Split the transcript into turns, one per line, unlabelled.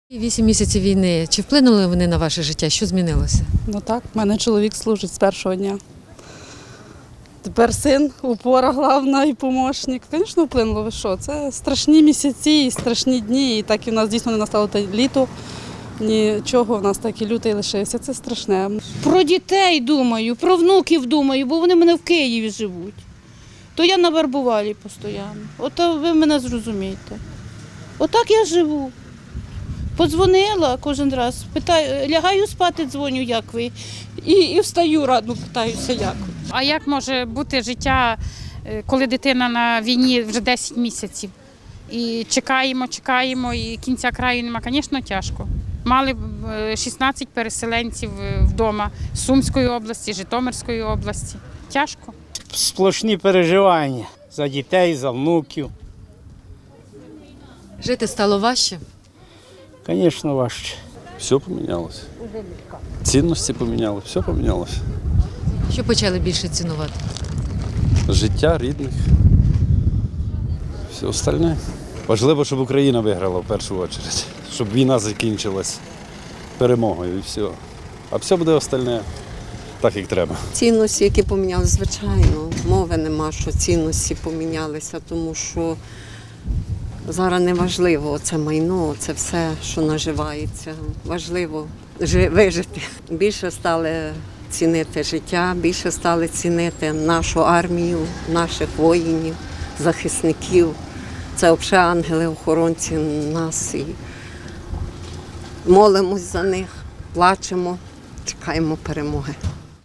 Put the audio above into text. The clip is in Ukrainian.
8 місяців війни. Чи вплинули вони на ваше життя? Що змінилося?
Ну так, в мене чоловік служить з першого дня. Тепер син, опора головна і помічник. Звісно, вплинуло. Ви що? Це страшні місяці і страшні дні. І так і в нас дійсно не настало те літо. Нічого, в нас так і лютий лишився. Це страшне.
Про дітей думаю, про внуків думаю, бо вони в мене в Києві живуть. То я на Вербувалі постійно. Ото ви мене зрозумієте. Отак я живу. Подзвонила кожен раз, питаю, лягаю спати, дзвоню, як ви. І встаю рано, питаюся, як ви.
А як може бути життя, коли дитина на війні вже 10 місяців? І чекаємо, і кінця краю нема. Звісно, тяжко. Мали 16 переселенців вдома з Сумської області, Житомирської області. Тяжко.
Сплошні переживання за дітей, за внуків.
Жити стало важче?
Звісно, важче.
Все помінялося. Цінності поміняли, все помінялося.
Що почали більше цінувати?
Життя рідних, все остальне. Важливо, щоб Україна виграла в першу чергу, щоб війна закінчилась перемогою і все. А все буде остальне так, як треба.
Цінності, які помінялися, звичайно, мови нема, що цінності помінялися, тому що зараз не важливо це майно, це все, що наживається. Важливо вижити. Більше стали цінити життя, більше стали цінити нашу армію, наших воїнів, захисників. Це взагалі ангели-охоронці нас. І молимось за них, плачемо, чекаємо перемоги.